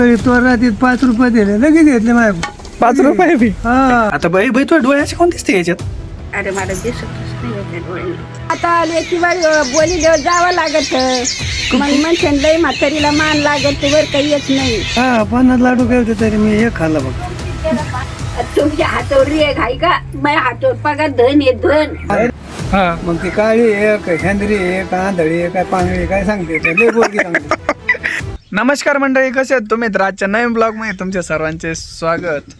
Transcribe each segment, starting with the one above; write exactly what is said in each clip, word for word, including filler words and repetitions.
तो रात्रीत पाच रुपये दिले लगेच घेतले माझ्या पाच रुपये बी हा आता बाई बाई तुझ्या डोळ्याचे कोण दिसते याच्यात? अरे मला दिसतच नाही होत्या डोळ्याने. आता आले किंवा बोली देव जावं लागत मग म्हणते लई म्हातारीला मान लागत वर काही येत नाही. हा पन्नास लाडू काय होते तरी मी एक खाल्ला बघ. तुमच्या हातावर रेग आहे का? माझ्या हातावर पगार धन आहे धन. हा मग ती काळी एक हेंद्री एक आंधळी एक काय पांगळी काय सांगते ते लय बोलकी सांगते. नमस्कार मंडळी, कसे आहेत तुम्ही? तर आजच्या नवीन ब्लॉग मध्ये तुमच्या सर्वांचे स्वागत.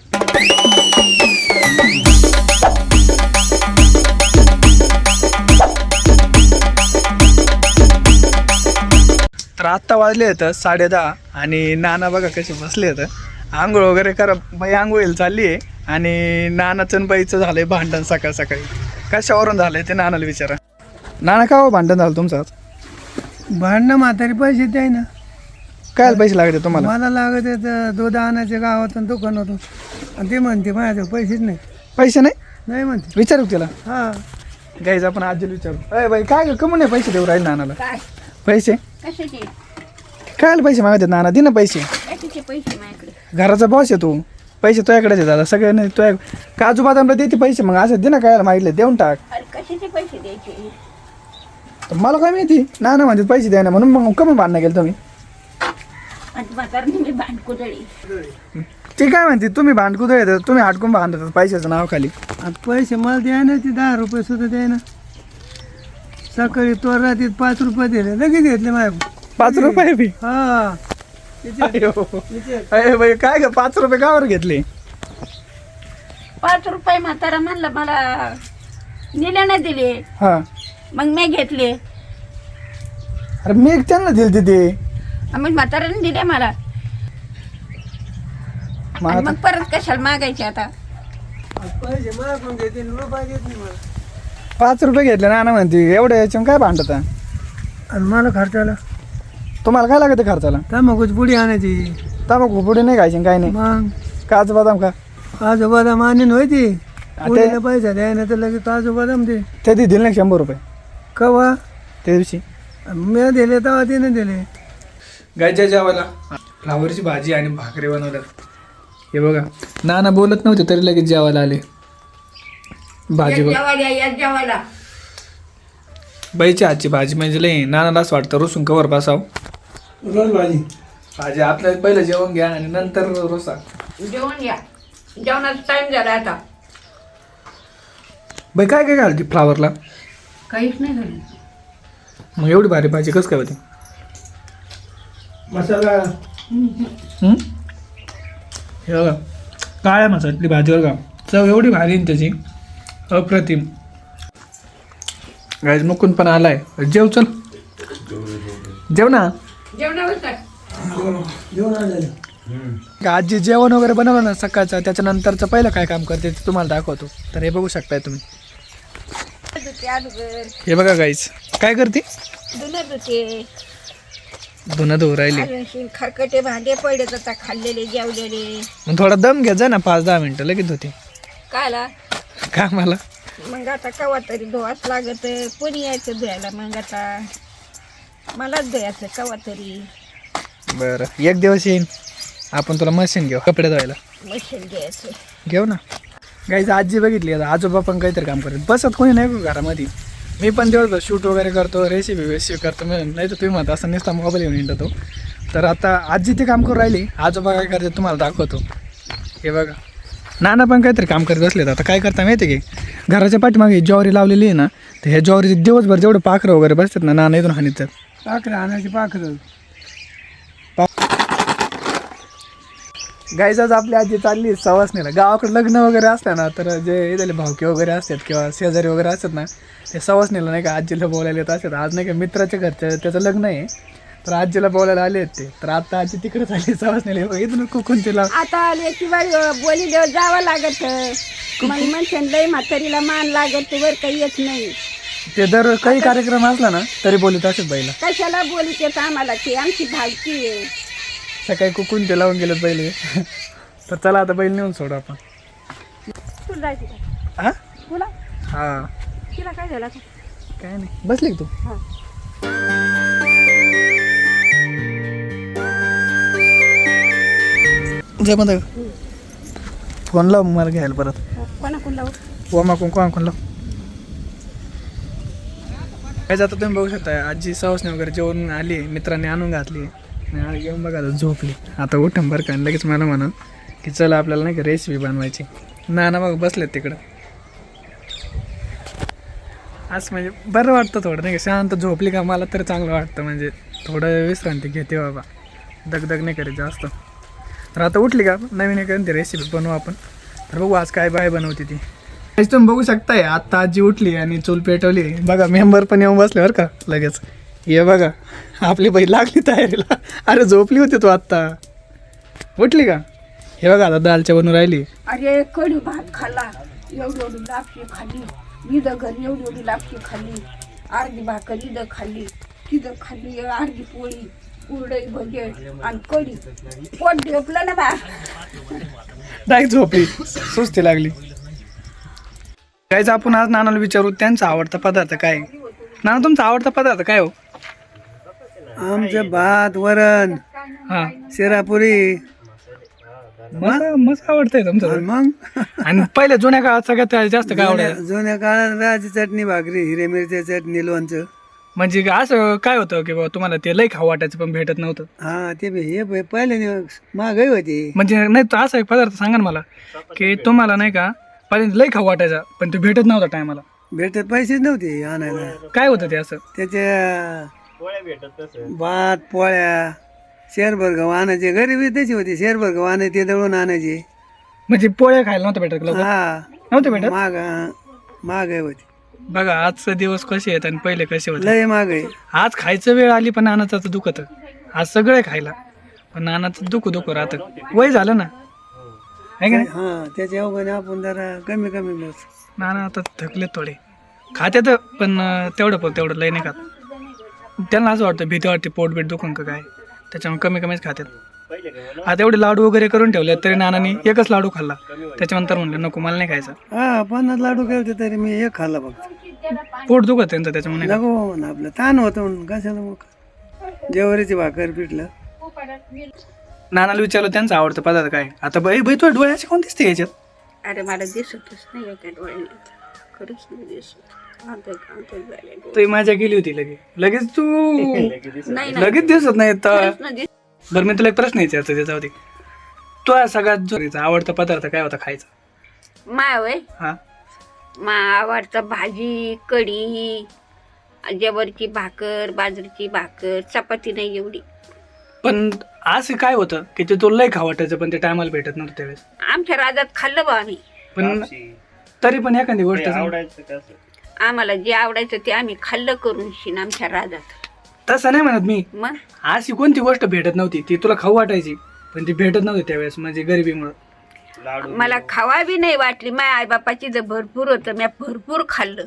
तर आत्ता वाजले आहेत साडे दहा आणि नाना बघा कसे बसले आहेत. आंघोळ वगैरे करा, बाई आंघोळीला चालली आहे आणि नानाचं आणि बाईचं झालंय भांडण सकाळ सकाळी. कशावरून झालंय ते नानाला विचारा. नाना का हो भांडण झालं तुमचं आज? भांडणं म्हातारी पैसे द्याय ना. काय पैसे लागते तुम्हाला? मला लागत आहे दूध आणायचे गावातून दुकान होतो आणि ते म्हणते माझ्याजवळ पैसेच नाही. पैसे नाही नाही म्हणते. विचारू तिला. हा गाईज आपण आजीला विचारू. अरे बाई काय कमून नाही पैसे देऊ राहील नानाला? काय पैसे कशाचे काय पैसे मागतात नाना? दे ना पैसे. कशाचे पैसे माझ्याकडे? घराचा बॉस आहे तू, पैसे तुझ्याकडेच आहे दादा सगळे. नाही तुझ्या काजू बदामला देते पैसे, मग असं दे ना. काय मागितले देऊन टाक. अरे कशाचे पैसे द्यायचे? तर मला काय माहिती नाना म्हणतात पैसे द्या ना म्हणून मग कमी भांडणं केलं तुम्ही. आणि म्हातारने मी भांडकुदळी. ती काय म्हणते तुम्ही भांडकुदळ येतात, तुम्ही हाटकून भांडतात पैशाचं नाव खाली. आता पैसे मला द्याय ना ते दहा रुपये सुद्धा द्याय ना. सकाळी तो रात्रीत पाच रुपये दिले लगेच घेतले माझ्या. पाच रुपये बी हा अयो. अरे बाई काय ग पाच रुपये कावर घेतले? पाच रुपये म्हातारा म्हणलं मला दिले नाही दिले हा मग मी घेतले. अरे मी एक त्यांना दिले तिथे. मग म्हाताराने दिले मला. मग आणि आता मग परत कशाला मागायचे आता? पैसे मागून घेते रुपये देत नाही मला. पाच रुपये घेतले नाना म्हणते एवढ्या याच्यावर काय भांडत? आणि मला खर्चाला तुम्हाला काय लागते खर्चाला? तंबाखूची पुडी आणायची. तांबाखू पुढे नाही खायची काय नाही? मग काजू बदाम का काजू बदाम आणीन होती. ते- पुढे पैसा द्याय ना तर लगेच काजू बदाम दे. ते ती दिले नाही शंभर रुपये कवा त्या दिवशी. मी दिले तेव्हा तिने दिले. गायच्या जेवायला फ्लावरची भाजी आणि भाकरी बनवल्यात. हे बघा नाना बोलत नव्हते तरी लगेच जेवायला आले. भाजी बघ जेवायला या जेवायला. बाईची हातची भाजी म्हणजे लई नानाला असं वाटतं रोसून कवर बसाव. रोज भाजी भाजी आपल्याला पहिलं जेवण घ्या आणि नंतर रोसा. जेवण या. जेवणाचा टाइम झाला आता. बाई काय काय घालते फ्लावरला? काहीच नाही झालं. मग एवढी भारी भाजी कसं काय होती? मसाला हं? हे बघा काळ्या मसाल्यातली भाजी बघा, चव एवढी भारी आहे त्याची अप्रतिम. गाईज मुकून पण आलाय. जेव चल जेव ना. जेवणावर काय? जेवण आलेलं. आजी जेवण वगैरे बनवलं ना सकाळचं, त्याच्यानंतरचं पहिलं काय काम करते ते तुम्हाला दाखवतो. तर हे बघू शकताय तुम्ही. धुते अगोदर. हे बघा गाईज काय करते? धुणं धुते. धुणं धुवू राहिली. अजून खरकटे भांडे पडले आता खाल्लेले जेवलेले. मग थोडा दम घ्या जा ना, पाच दहा मिनिटं लगेच होते काला का मला. मग आता कवा तरी धुवाच लागत. कोणी यायचं धुवायला? मग आता मलाच धुवायचं कवा तरी. बरं एक दिवस येईन आपण तुला मशीन घेऊ कपडे धुवायला. मशीन घ्यायचं. घेऊ ना. गाईज आजी बघितली आता आजोबा पण काहीतरी काम करत बसत कोणी नाही का घरामध्ये. मी पण दिवसभर शूट वगैरे करतो, रेसिपी वेसिपी करतो. मी नाही तर तुम्ही म्हणता असं नुसता मोबाईल घेऊन येतो. तर आता आजी ते काम करून राहिली, आजोबा काय करते तुम्हाला दाखवतो. हे बघा नाना पण काहीतरी काम करत बसलेत. आता काय करता माहिती की घराच्या पाठीमागे ज्वारी लावलेली आहे ना, तर ह्या ज्वारीचे दिवसभर जेवढे पाखरं वगैरे बसतात ना नाना इथून हानीतात. पाखरं आणायची पाखरं. गाईचाच आपली आजी चालली सवासणीला. गावाकडे लग्न वगैरे असतं ना तर जे इथले भावके वगैरे असतात किंवा शेजारी वगैरे असतात ना, ते सवासणीला नाही का आजीला बोलायला येत असतात. आज नाही का मित्राच्या घरच्या त्याचं लग्न आहे तर आजीला बोलायला आले आहेत ते. तर आता आजी तिकडे चालली सवासणीला. इथून कुकून तिला आता आले किंवा बोली देव जावं लागत मग म्हणते लई म्हातारीला मान लागत वर काही येत नाही. ते दर काही कार्यक्रम असला ना तरी बोलत असत बाईला. कशाला बोली येत आम्हाला की आमची भालकी आहे. सकाळी कुकून ते लावून गेलं पहिले. तर चला आता बैल नेऊन सोडू आपण. तुला जायची का? हां तुला हां तिला काय झालं? काय नाही बसली का तू? हां. जय मध्ये फोन लाव मला घ्यायला परत कोणाकडून लावू ओमा कोण कोण कोण लाव काय जातं तुम्ही बघू शकता आजी सवासने वगैरे जेवण आली मित्रांनी आणून घातली आणि घेऊन बघा आता झोपली आता उठम बरं का लगेच मला म्हणून की चला आपल्याला नाही का रेसिपी बनवायची ना ना बघ बसलेत तिकडं आज म्हणजे बरं वाटतं थोडं नाही का शांत झोपली का मला तर चांगलं वाटतं म्हणजे थोडं विश्रांती घेते बाबा दगदग नाही करीत जास्त तर आता उठली का नवीन एक ती रेसिपी बनवू आपण तर बघू आज काय बाय बनवते ती आज तुम्ही बघू शकताय आत्ता आजी उठली आणि चूल पेटवली बघा मेंबर पण येऊन बसले बरं का लगेच ये बघा आपली बाई लागली तयारीला अरे झोपली होती तू आत्ता उठली का हे बघा आता दालच्या बनवून राहिली अरे कढी भात खाल्ला एवढी एवढी लापशी खाल्ली इथं घरी एवढी एवढी लापशी खाल्ली अर्धी भाकर इथं खाल्ली तिथं खाल्ली अर्धी पोळी उरडई भजे आणि कढी पोट ढेपलं ना बा डायरेक्ट झोपली सुस्ती लागली काहीच आपण आज नानाला विचारू त्यांचा आवडता पदार्थ काय नाना तुमचा आवडता पदार्थ काय हो आमचं भात वरण हा शिरापुरी मस्त मस्त आवडतंय तुमचं आणि मग आणि पहिले जुन्या काळात सगळ्यात जास्त काय जुन्या आवडायचं जुन्या काळात राजी चटणी भाकरी हिरे मिरच्या चटणी लोणचं म्हणजे असं काय होतं की बाबा तुम्हाला ते लई खाऊ वाटायचं पण भेटत नव्हतं हा ते बी हे बी पहिले महागाई होती म्हणजे नाही तर असा एक पदार्थ सांगा ना मला की तुम्हाला नाही का पहिले लई खाऊ वाटायचा पण ते भेटत नव्हता टायमाला भेटत पैसेच नव्हते आणायला काय होतं ते असं त्याच्या भात पोळ्या शेरभर गहू आणायचे गरिबी त्याची होती शेरभर गहू आणायचे ते दळून आणायचे म्हणजे पोळ्या खायला नव्हतं भेटत लवकर? हा नव्हतं भेटत महाग महागाई होती बघा आजचे दिवस कसे आहेत आणि पहिले कसे होते लय महागाई आज खायचं वेळ आली पण नानाचं दुखत आज सगळे खायला पण नानाचं दुःख दुःख राहतं वय झालं ना आहे का नाही? हा त्याच्या अवघाने आपण जरा कमी कमी बस नाना आता थकले थोडे खात्यात पण अं, तेवढं पण तेवढं लय नाही खात त्यांना असं वाटतं भीती वाटते पोट बीट दुखून का काय त्याच्यामुळे कमी कमीच खात्यात आता एवढे लाडू वगैरे करून ठेवले तरी नानानी एकच लाडू खाल्ला त्याच्यानंतर म्हणलं नको मला नाही खायचं हा पन्नास लाडू केले तरी मी एक खाल्ला फक्त पोट दुखत त्यांचं त्याच्यामुळे नाही नको म्हणून आपलं ताण होतं म्हणून कशाला मग जेवारीची भाकर पिठलं खात. नानाला विचारलं त्यांचा आवडतं पदार्थ काय आता बाई बाई तुला डोळ्याचे कोण दिसते याच्यात अरे मला दिसतच नाही त्या डोळ्याने खरंच नाही दिसत आंतर आंतर झाले डोळे. तू माझ्या गेली होती लगेच लगेच तू नाही नाही लगेच दिसत नाही तर खरंच नाही दिसत. बरं मी तुला एक प्रश्न विचारतो त्याच्यावरती तो सगळ्यात जो आवडता पदार्थ काय होता खायचा माय वय हा मा आवडतं भाजी कढी ज्वारीची भाकर बाजरीची भाकर चपाती नाही एवढी पण असं काय होतं की ते तुला लय खा वाटायचं पण ते टायमाला भेटत नव्हतं त्यावेळेस आमच्या राजात खाल्लं बा आम्ही पण तरी पण एखादी गोष्ट सांग. आम्हाला जे आवडायचं ते आम्ही खाल्लं करून शिन आमच्या राजात तसं नाही म्हणत मी मग अशी कोणती गोष्ट भेटत नव्हती ती तुला खाऊ वाटायची पण ती भेटत नव्हती त्यावेळेस म्हणजे गरिबीमुळं मला खावा बी नाही वाटली माझ्या आईबापाची जर भरपूर होतं मी भरपूर खाल्लं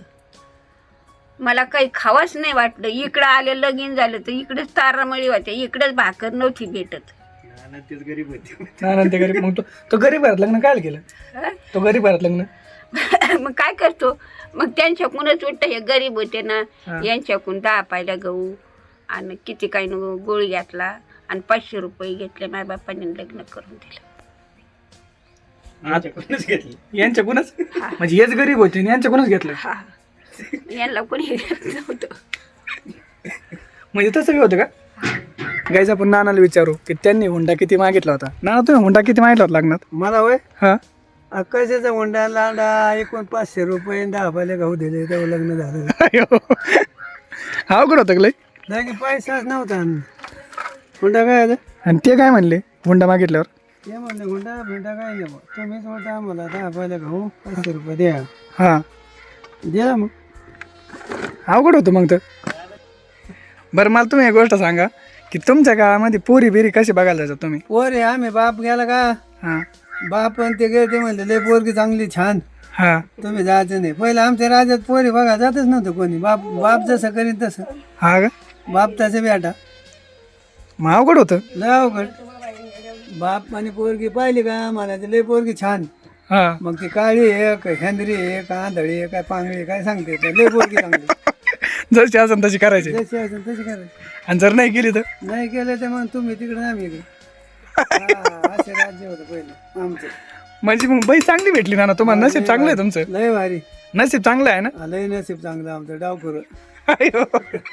मला काही खावाच नाही वाटलं इकडं आलं लगीन झालं तर इकडेच तारामळी होत्या इकडेच भाकर नव्हती भेटत ना ते गरीब मग तो तो गरीब घरात लग्न काय केलं हं? तो गरीब घरात लग्न मग काय करतो मग त्यांच्याकडूनच उठतं हे गरीब होते ना हा. यांच्याकडून दहा पायला गहू आणि किती काही न गोळी घातला आणि पाचशे रुपये घेतले माझ्या बापाने लग्न करून दिलं यांच्याकडूनच म्हणजे हेच गरीब होते आणि यांच्याकडूनच घेतलं हा यांना कोणी घेत नव्हतं म्हणजे तसं बी होतं का गाईज आपण नानाला विचारू की त्यांनी हुंडा किती मागितला होता नाना तुम्ही हुंडा किती मागितला होता लग्नात मला होय हा कशाचा हुंडा लांडा एकूण पाचशे रुपये दहा पाहिले गहू दिले तेव्हा लग्न झालं अवघड होतं का लय नाही की पैसाच नव्हता हुंडा काय आहे आणि ते काय म्हणले हुंडा मागितल्यावर ते म्हणले हुंडा हुंडा काय नाही बुवा. तुम्हीच होता आम्हाला दहा पाहिले गहू पाचशे रुपये द्या हा दिला मग अवघड होतं मग तर बरं मला तुम्ही एक गोष्ट सांगा की तुमच्या काळामध्ये पोरी बिरी कशी बघायला जायचं तुम्ही पोरे आम्ही बाप गेला का हा बाप पण ते गेले ते म्हणले लय पोरगी चांगली छान हा तुम्ही जायचं नाही पहिलं आमच्या राज्यात पोरी बघा जातच नव्हतं कोणी बाप बाप जसं करीन तसं हा का बाप तसं बेटा मग अवघड होतं लय अवघड बाप आणि पोरगी पाहिली का मला ते लय पोरगी छान हा मग ती काळी आहे का हेंद्री आहे का आंधळी आहे काय पांगळी आहे, काय सांगते ते लय पोरगी चांगली जशी असेल तशी करायची जशी असेल तशी करायची आणि जर नाही केली तर नाही केलं तर मग तुम्ही तिकडे आम्ही इकडे हा, असे राज्य होतं पहिलं आमचं. म्हणजे मग बाई चांगली भेटली ना तुम्हाला. नशीब चांगलं आहे तुमचं. लय भारी. नशीब चांगलं आहे ना. हा, लय नसीब चांगलं आमचं. डावखुर अयो.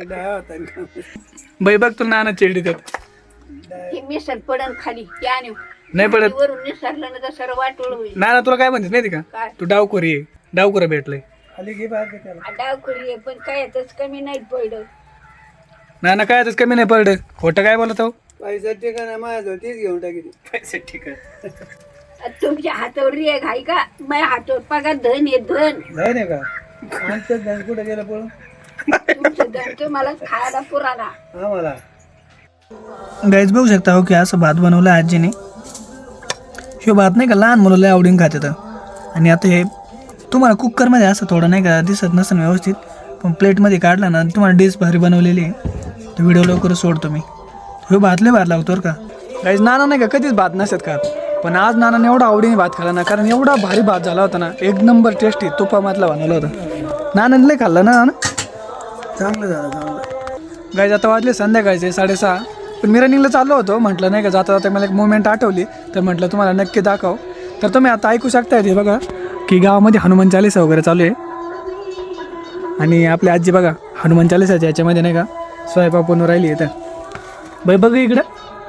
बाई बघ तुला नाना चिरडी देत. ही मिसळ पडन खाली त्याने नाही पडत. वरून निसरलं ना तर सर्व वाटोळ होईल. नाना तुला काय म्हणतेस माहिती का, काय तू डावखोरी आहे. डावखोर भेटलंय. खाली घे बाहेर त्याला. डावखुरी आहे पण काय यातच कमी नाही पडलं. नाना काय आताच कमी नाही पडलं. खोटं काय बोलत हो. पैसा ठिकाणा माझ्याजवळ तीच घेऊन टाकी. पैसे ठीक आहे. तुमच्या हातावर रेग आहे का. माझ्या हातावर पगार धन आहे धन. नाही नाही का आमचं धन कुठं गेलं पळून. तुमचं धन तर मला खायला पुराला. आम्हाला गाईज बघू शकता हो की असं भात बनवलं आजीने. ह्यो भात नाही का लहान मुलं लय आवडीने खातात. आणि आता हे तुम्हाला कुकरमध्ये असं थोडं नाही का दिसत नसेल व्यवस्थित, पण प्लेटमध्ये काढला ना तुम्हाला डिश भारी बनवलेली आहे. तो व्हिडिओ लवकरच सोडतो मी. ह्यो भात लय भात लागतो बरं का. गाईज नाना नाही का कधीच भात नसत खात, पण आज नानाने एवढा आवडीने भात खाला ना, कारण एवढा भारी भात झाला होता ना, एक नंबर टेस्टी तुपामधला बनवला होता. नानाने लय खाल्ला ना नाना. चांगलं झालं चांगलं. गाईज आता वाजले संध्याकाळचे साडेसहा. पण मी रनिंगला चाललो होतो. म्हटलं नाही का जाता जाता मला एक मुवमेंट आठवली, तर म्हटलं तुम्हाला नक्की दाखव. तर तुम्ही आता ऐकू शकताय ते बघा की गावामध्ये हनुमान चालीसा वगैरे चालू आहे. आणि आपली आजी बघा हनुमान चालीसाच्या याच्यामध्ये नाही का स्वयंपाक बनवून राहिली आहे. तर बाई बघ इकडं.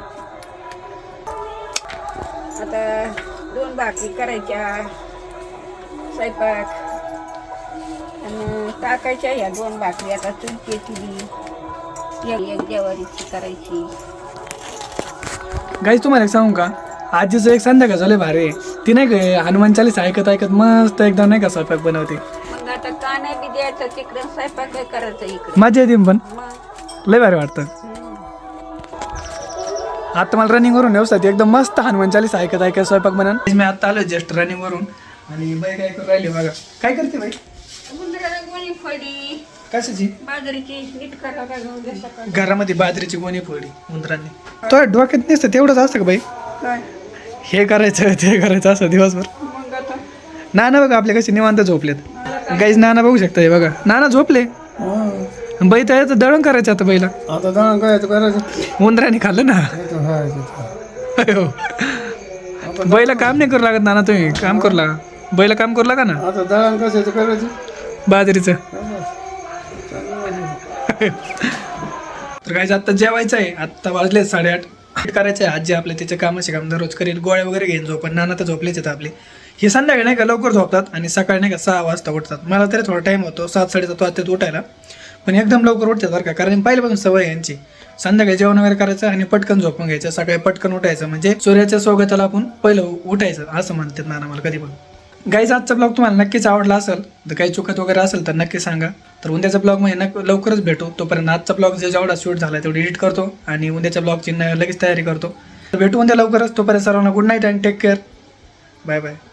आता दोन भाकरी करायच्या स्वयंपाक आणि टाकायच्या ह्या दोन भाकरी. आता चुलची एक जेवारीची करायची. गाईज तुम्हाला एक सांगू का, आजीचं एक संध्याकाळ झालं भारी आहे. ती नाही का हनुमान चालीसा ऐकत ऐकत मस्त एकदम नाही का स्वयंपाक बनवते. मग आता काना बी द्यायचं तिकडं स्वयंपाक काय करायचं इकडं. मजा येते पण मग लय भारी वाटतं. आता मला रनिंग वरून व्यवस्थित एकदम मस्त हनुमान चालीसा ऐकत ऐकत स्वयंपाक बनन. मी आता आलो जस्ट रनिंग वरून. आणि बाई काय करू राहिली बघा. काय करते बाई. गुंडळाला गोणी फडी कशाची. बाजरीची नीट करायला घेऊन दे सकाळी. घरामध्ये बाजरीची गोणी फोडली उंदरांनी. तो डोक्यात नसतं तेवढंच असतं का बाई. काय हे करायचं ते करायचं असं दिवसभर. मग आता नाना बघा आपले कसे निवांत झोपलेत. गाईज नाना बघू शकता हे बघा नाना झोपले. बाई तर दळण करायचं आता बैला. आता दळण करायचं करायचं. उंदराने खाल्लं ना. अयो. बैला काम नाही करू लागत नाना. तुम्ही काम करू लागा. बैला काम करू लागा ना. आता दळण कशाचं करायचं. बाजरीचं. तर काय आता जेवायचं आहे. आत्ता वाजले साडेआठ. करायचं आहे. आजी आपले त्याचे कामाचे काम दररोज करेल. गोळ्या वगैरे घेऊन झोपण. नाना तर झोपलेच आहेत आपले. हे संध्याकाळी नाही का लवकर झोपतात आणि सकाळी नाही का सहा वाजता उठतात. मला तरी थोडा टाईम होतो सात साडेसात वाजतात उठायला, पण एकदम लवकर उठतात बरं का. कारण पहिल्यापासून सवय आहे यांची. संध्याकाळी जेवण वगैरे करायचं आणि पटकन झोपून घ्यायचं. सकाळी पटकन उठायचं म्हणजे सूर्याच्या स्वागताला आपण पहिलं उठायचं असं म्हणतात नाना मला कधी पण. गाईज आजचा ब्लॉग तुम्हाला नक्कीच आवडला असेल तर काही चुकत वगैरे असेल तर नक्की सांगा. तर उद्याचा ब्लॉग म्हणजे नक् लवकरच भेटू. तोपर्यंत आजचा ब्लॉग जे जेवढा शूट झाला तेवढी एडिट करतो आणि उद्याच्या ब्लॉगची लगेच तयारी करतो. तर भेटू उद्या लवकरच. तोपर्यंत सर्वांना good night and take care. Bye bye.